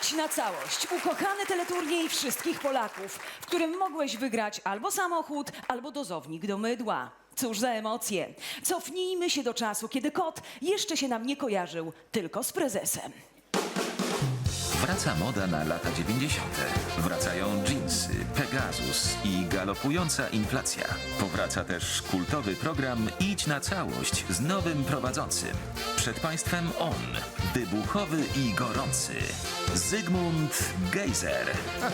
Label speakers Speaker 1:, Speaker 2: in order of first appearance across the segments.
Speaker 1: Idź na całość. Ukochany teleturniej wszystkich Polaków, w którym mogłeś wygrać albo samochód, albo dozownik do mydła. Cóż za emocje. Cofnijmy się do czasu, kiedy kot jeszcze się nam nie kojarzył, tylko z prezesem.
Speaker 2: Wraca moda na lata 90. Wracają dżinsy, Pegasus i galopująca inflacja. Powraca też kultowy program Idź na całość z nowym prowadzącym. Przed Państwem on, wybuchowy i gorący, Zygmunt Gejzer.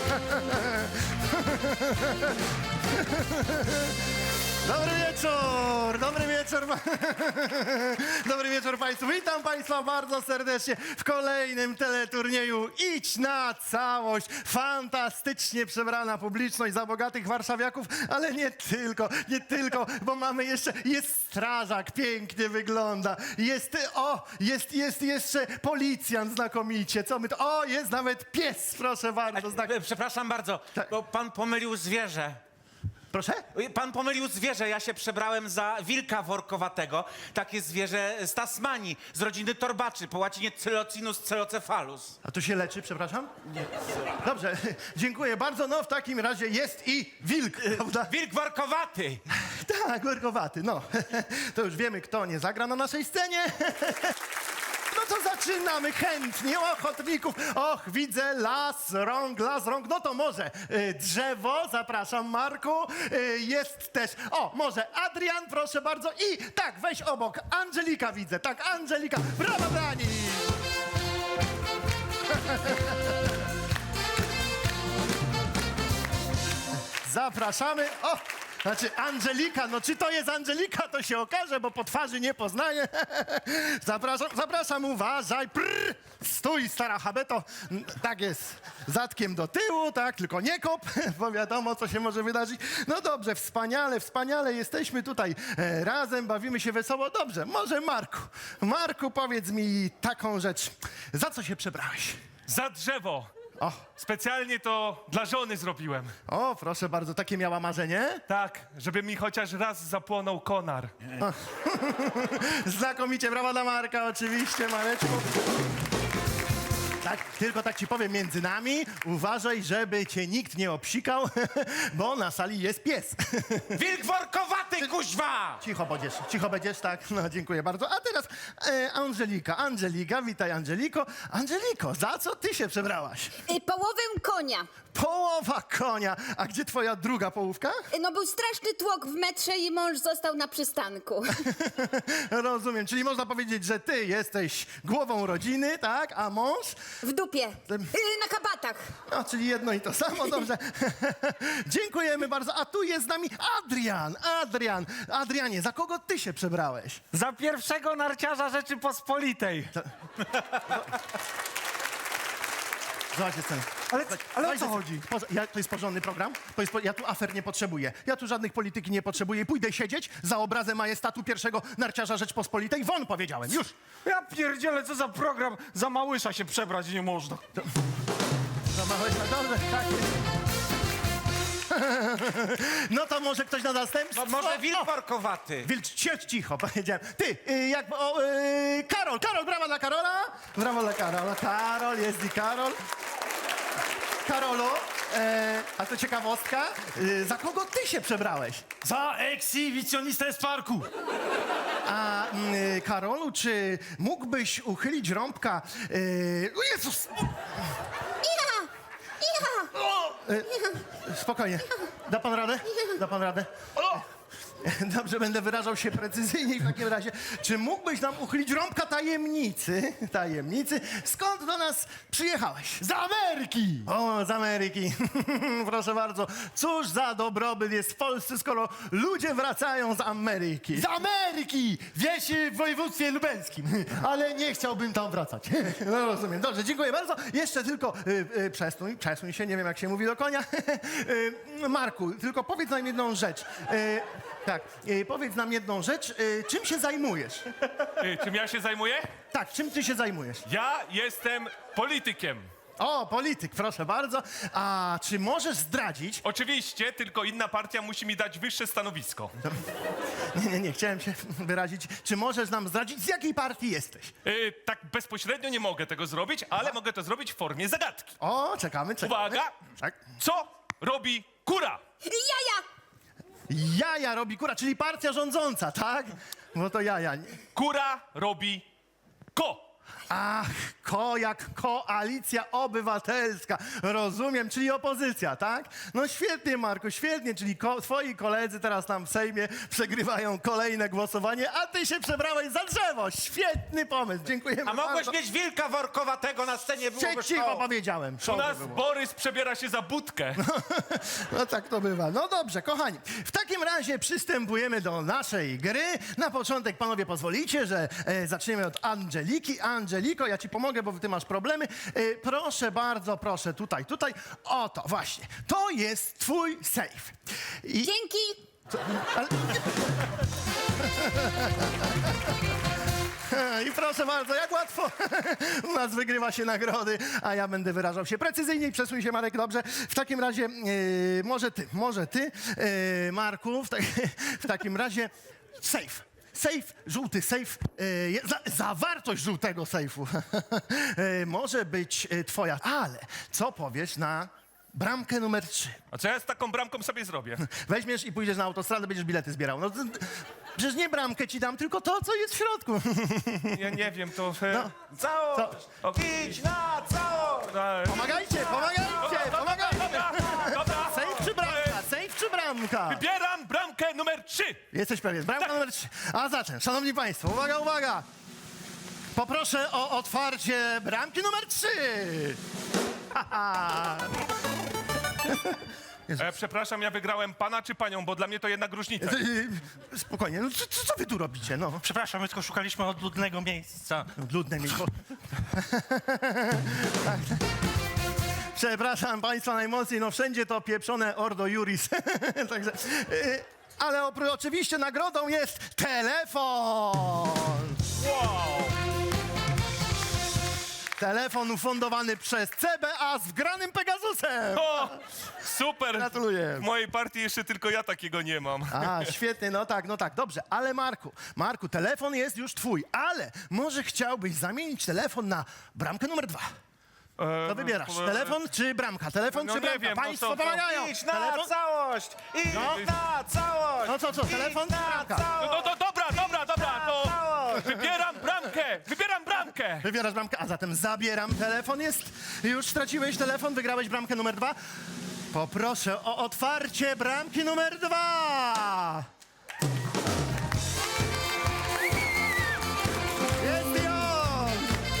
Speaker 3: Dobry wieczór! Dobry wieczór! Dobry wieczór Państwu! Witam Państwa bardzo serdecznie w kolejnym teleturnieju Idź na całość! Fantastycznie przebrana publiczność za bogatych warszawiaków, ale nie tylko, bo mamy jeszcze, jest strażak, pięknie wygląda, jest jeszcze policjant znakomicie, co my to, jest nawet pies, proszę bardzo.
Speaker 4: Przepraszam bardzo, bo pan pomylił zwierzę.
Speaker 3: Proszę?
Speaker 4: Pan pomylił zwierzę, ja się przebrałem za wilka workowatego. Takie zwierzę z Tasmanii, z rodziny torbaczy, po łacinie Cylocinus celocephalus.
Speaker 3: A to się leczy, przepraszam? Nie. Dobrze, dziękuję bardzo. No w takim razie jest i wilk, prawda?
Speaker 4: Wilk workowaty!
Speaker 3: Tak, workowaty, no. To już wiemy, kto nie zagra na naszej scenie. No to zaczynamy chętnie, ochotników. Och, widzę las rąk. No to może drzewo, zapraszam Marku. Jest też, może Adrian, proszę bardzo. I tak, weź obok, Angelika widzę, tak, Angelika. Brawo, Dani! Zapraszamy. Znaczy Angelika, no czy to jest Angelika, to się okaże, bo po twarzy nie poznaję. Zapraszam, uważaj. Stój, stara habeto. Tak jest, zadkiem do tyłu, tak, tylko nie kop, bo wiadomo, co się może wydarzyć. No dobrze, wspaniale jesteśmy tutaj razem, bawimy się wesoło. Dobrze, może Marku, powiedz mi taką rzecz. Za co się przebrałeś?
Speaker 5: Za drzewo.
Speaker 3: O,
Speaker 5: Specjalnie to dla żony zrobiłem.
Speaker 3: proszę bardzo, takie miała marzenie?
Speaker 5: Tak, żeby mi chociaż raz zapłonął konar.
Speaker 3: Znakomicie, brawa dla Marka, oczywiście, Mareczku. Tak, tylko tak ci powiem, między nami, uważaj, żeby cię nikt nie obsikał, bo na sali jest pies.
Speaker 4: Wilk workowaty, kuźwa!
Speaker 3: Cicho będziesz, tak, no dziękuję bardzo. A teraz Angelika, witaj Angeliko. Angeliko, za co ty się przebrałaś?
Speaker 6: Połowę konia.
Speaker 3: Połowa konia. A gdzie twoja druga połówka?
Speaker 6: No był straszny tłok w metrze i mąż został na przystanku.
Speaker 3: Rozumiem, czyli można powiedzieć, że ty jesteś głową rodziny, tak, a mąż?
Speaker 6: W dupie. Na kabatach.
Speaker 3: No, czyli jedno i to samo, dobrze. Dziękujemy bardzo. A tu jest z nami Adrian. Adrianie, za kogo ty się przebrałeś?
Speaker 5: Za pierwszego narciarza Rzeczypospolitej.
Speaker 3: Zobaczcie scenę.
Speaker 5: Ale o co chodzi?
Speaker 3: To jest porządny program? Ja tu afer nie potrzebuję. Ja tu żadnych polityki nie potrzebuję. Pójdę siedzieć za obrazem majestatu pierwszego narciarza Rzeczpospolitej. Won, powiedziałem, już.
Speaker 5: Ja pierdzielę, co za program. Za małysza się przebrać nie można.
Speaker 3: Zamachałeś na dobrze, tak. No to może ktoś na następstwo?
Speaker 4: No może wilk workowaty.
Speaker 3: Cicho, powiedziałem. Ty, Karol, brawa dla Karola. Brawo dla Karola. Karol, jest i Karol. Karolu, a to ciekawostka, za kogo ty się przebrałeś?
Speaker 5: Za ekshibicjonistę z parku.
Speaker 3: A Karolu, czy mógłbyś uchylić rąbka? O Jezus! Spokojnie. Da pan radę? Da pan radę? Dobrze, będę wyrażał się precyzyjniej w takim razie. Czy mógłbyś nam uchylić rąbka tajemnicy? Skąd do nas przyjechałeś?
Speaker 7: Z Ameryki!
Speaker 3: O, z Ameryki. Proszę bardzo. Cóż za dobrobyt jest w Polsce, skoro ludzie wracają z Ameryki.
Speaker 7: Z Ameryki! Wieś w województwie lubelskim. Ale nie chciałbym tam wracać.
Speaker 3: No rozumiem. Dobrze, dziękuję bardzo. Jeszcze tylko przesuń się, nie wiem jak się mówi do konia. Marku, tylko powiedz nam jedną rzecz. Tak, powiedz nam jedną rzecz. Czym się zajmujesz?
Speaker 5: Czym ja się zajmuję?
Speaker 3: Tak, czym ty się zajmujesz?
Speaker 5: Ja jestem politykiem.
Speaker 3: O, polityk, proszę bardzo. A czy możesz zdradzić...
Speaker 8: Oczywiście, tylko inna partia musi mi dać wyższe stanowisko.
Speaker 3: Nie, chciałem się wyrazić. Czy możesz nam zdradzić, z jakiej partii jesteś?
Speaker 8: Tak bezpośrednio nie mogę tego zrobić, ale mogę to zrobić w formie zagadki.
Speaker 3: O, czekamy.
Speaker 8: Uwaga!
Speaker 3: Tak.
Speaker 8: Co robi kura?
Speaker 6: Jaja!
Speaker 3: Jaja robi kura, czyli partia rządząca, tak? No to jaja.
Speaker 8: Kura robi ko.
Speaker 3: Ach, jak Koalicja Obywatelska. Rozumiem, czyli opozycja, tak? No świetnie, Marku, świetnie, czyli twoi koledzy teraz tam w Sejmie przegrywają kolejne głosowanie, a ty się przebrałeś za drzewo. Świetny pomysł, dziękujemy
Speaker 4: A mogłeś
Speaker 3: bardzo.
Speaker 4: mieć wilka workowatego na scenie, byłoby
Speaker 3: Cicho
Speaker 4: szkoły.
Speaker 3: powiedziałem.
Speaker 8: U nas Borys przebiera się za budkę.
Speaker 3: No tak to bywa. No dobrze, kochani. W takim razie przystępujemy do naszej gry. Na początek, panowie, pozwolicie, że zaczniemy od Angeliki. Angeliko, ja ci pomogę, bo ty masz problemy. Proszę bardzo, proszę, tutaj. Oto, właśnie. To jest twój safe.
Speaker 6: Dzięki!
Speaker 3: I proszę bardzo, jak łatwo u nas wygrywa się nagrody, a ja będę wyrażał się precyzyjniej. Przesuń się, Marek, dobrze. W takim razie, może ty, Marku, w takim razie safe. Safe, żółty safe, zawartość żółtego sejfu może być twoja, ale co powiesz na bramkę numer 3?
Speaker 8: A co ja z taką bramką sobie zrobię?
Speaker 3: Weźmiesz i pójdziesz na autostradę, będziesz bilety zbierał. No, przecież nie bramkę ci dam, tylko to, co jest w środku.
Speaker 8: Ja nie wiem, to...
Speaker 4: Całość! Idź na całość!
Speaker 3: Pomagajcie!
Speaker 8: Dobra.
Speaker 3: Safe czy bramka? Safe czy bramka?
Speaker 8: Wybieram bramkę numer 3.
Speaker 3: Jesteś pewien. Bramka numer 3. A zatem, szanowni państwo, uwaga! Poproszę o otwarcie bramki numer 3.
Speaker 8: Przepraszam, ja wygrałem pana czy panią, bo dla mnie to jednak różnica.
Speaker 3: Spokojnie, no co wy tu robicie, no?
Speaker 5: Przepraszam, my tylko szukaliśmy odludnego miejsca.
Speaker 3: Ludne miejsce. Przepraszam państwa najmocniej, no wszędzie to pieprzone Ordo Juris. Także, ale oczywiście nagrodą jest telefon.
Speaker 8: Wow!
Speaker 3: Telefon ufundowany przez CBA z wgranym Pegasusem.
Speaker 8: O, super!
Speaker 3: Gratuluję.
Speaker 8: W mojej partii jeszcze tylko ja takiego nie mam.
Speaker 3: A, świetnie, no tak, dobrze. Ale Marku, telefon jest już twój, ale może chciałbyś zamienić telefon na bramkę numer 2. Co wybierasz? Telefon czy bramka? Telefon
Speaker 8: No
Speaker 3: czy
Speaker 8: nie
Speaker 3: bramka?
Speaker 8: wiem, no
Speaker 3: Państwo
Speaker 8: to-
Speaker 3: pomagają.
Speaker 4: Idź na
Speaker 3: Telefon?
Speaker 4: całość! Idź na całość!
Speaker 3: No co, telefon czy
Speaker 4: na
Speaker 3: bramka?
Speaker 8: No to dobra, to wybieram bramkę!
Speaker 3: Wybierasz bramkę, a zatem zabieram telefon. Już straciłeś telefon, wygrałeś bramkę numer 2. Poproszę o otwarcie bramki numer 2. Jest i on!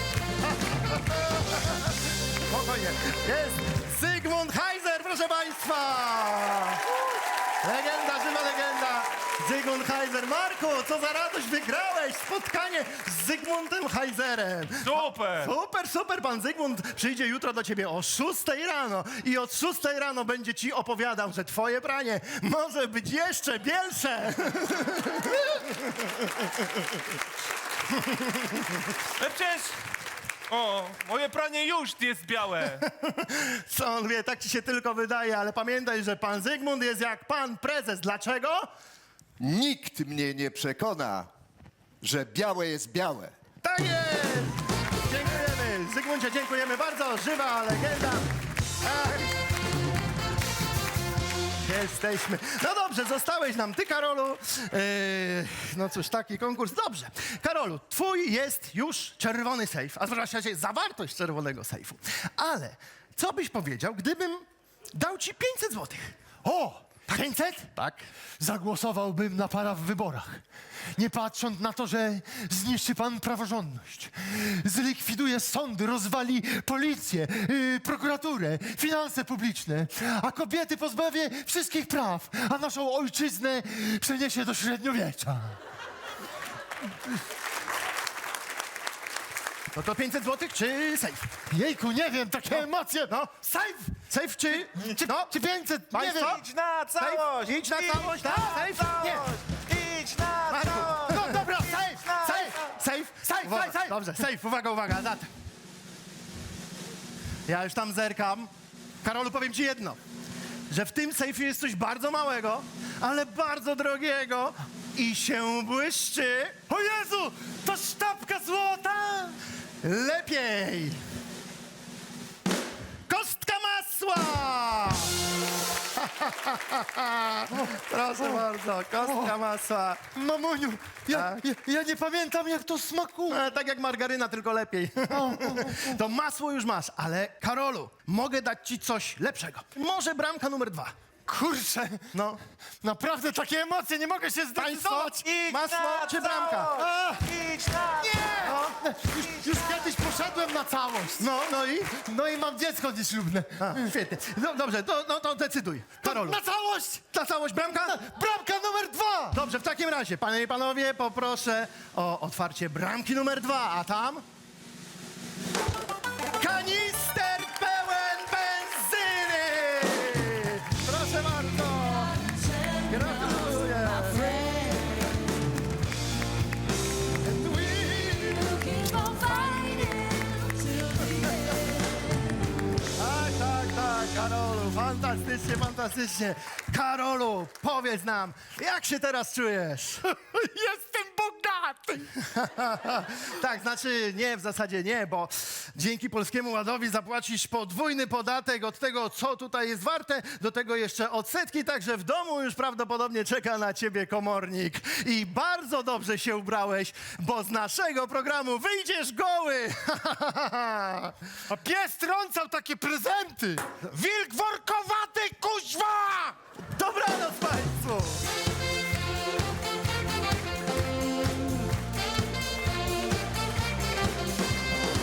Speaker 3: Spokojnie. Jest Zygmunt Heiser, proszę państwa! Legenda, żywa legenda. Zygmunt Heiser. Marku, co za radość, wygrałeś spotkanie z Zygmuntem Heiserem.
Speaker 8: Super!
Speaker 3: Super, pan Zygmunt przyjdzie jutro do ciebie o 6 rano i od 6 rano będzie ci opowiadał, że twoje pranie może być jeszcze bielsze.
Speaker 8: No przecież... O, moje pranie już jest białe.
Speaker 3: Co on wie, tak ci się tylko wydaje, ale pamiętaj, że pan Zygmunt jest jak pan prezes. Dlaczego?
Speaker 9: Nikt mnie nie przekona, że białe jest białe.
Speaker 3: Tak jest! Dziękujemy. Zygmuncie, dziękujemy bardzo. Żywa legenda. Tak. Jesteśmy. No dobrze, zostałeś nam ty, Karolu. No cóż, taki konkurs. Dobrze. Karolu, twój jest już czerwony sejf, a zwłaszcza zawartość czerwonego sejfu. Ale co byś powiedział, gdybym dał ci 500 złotych?
Speaker 7: O!
Speaker 3: 500?
Speaker 7: Tak. Zagłosowałbym na pana w wyborach. Nie patrząc na to, że zniszczy pan praworządność. Zlikwiduje sądy, rozwali policję, prokuraturę, finanse publiczne. A kobiety pozbawi wszystkich praw. A naszą ojczyznę przeniesie do średniowiecza.
Speaker 3: No to 500 złotych czy sejf?
Speaker 7: Jejku, nie wiem, takie emocje.
Speaker 3: No, sejf! Sejf czy... No,
Speaker 7: Czy 500? Nie
Speaker 3: Państwo?
Speaker 7: wiem.
Speaker 4: Idź na całość!
Speaker 3: Idź na całość, tak? Sejf? Nie.
Speaker 4: Idź na
Speaker 3: Marku,
Speaker 4: całość!
Speaker 3: no dobra, safe.
Speaker 7: Safe.
Speaker 3: Dobrze, safe, uwaga, zatem. Ja już tam zerkam. Karolu, powiem ci jedno, że w tym sejfie jest coś bardzo małego, ale bardzo drogiego i się błyszczy.
Speaker 7: O Jezu, to sztabka złota!
Speaker 3: Lepiej! Kostka masła! Proszę bardzo, kostka masła.
Speaker 7: Mamuniu,
Speaker 3: Tak.
Speaker 7: ja nie pamiętam, jak to smakuje.
Speaker 3: Tak jak margaryna, tylko lepiej. To masło już masz, ale Karolu, mogę dać ci coś lepszego. Może bramka numer 2.
Speaker 7: Kurczę,
Speaker 3: No,
Speaker 7: naprawdę takie emocje, nie mogę się
Speaker 3: państwo,
Speaker 7: zdecydować.
Speaker 3: masło czy bramka?
Speaker 7: A,
Speaker 4: Idź na...
Speaker 7: już kiedyś poszedłem na całość. No i mam dziecko nieślubne.
Speaker 3: Świetnie. No, dobrze, to decyduj. Karolu.
Speaker 7: Na całość!
Speaker 3: Na całość bramka?
Speaker 7: Bramka numer 2!
Speaker 3: Dobrze, w takim razie, panie i panowie, poproszę o otwarcie bramki numer 2, a tam... Kanister pełen benzyny! Proszę bardzo! Gratuluję! Tak, Karolu, fantastycznie, fantastycznie. Karolu, powiedz nam, jak się teraz czujesz?
Speaker 7: Jestem bogaty!
Speaker 3: Tak, znaczy nie, w zasadzie nie, bo dzięki Polskiemu Ładowi zapłacisz podwójny podatek od tego, co tutaj jest warte, do tego jeszcze odsetki, także w domu już prawdopodobnie czeka na ciebie komornik. I bardzo dobrze się ubrałeś, bo z naszego programu wyjdziesz goły!
Speaker 7: A pies trącał takie prezenty!
Speaker 5: Wilk workowaty, kuźwa!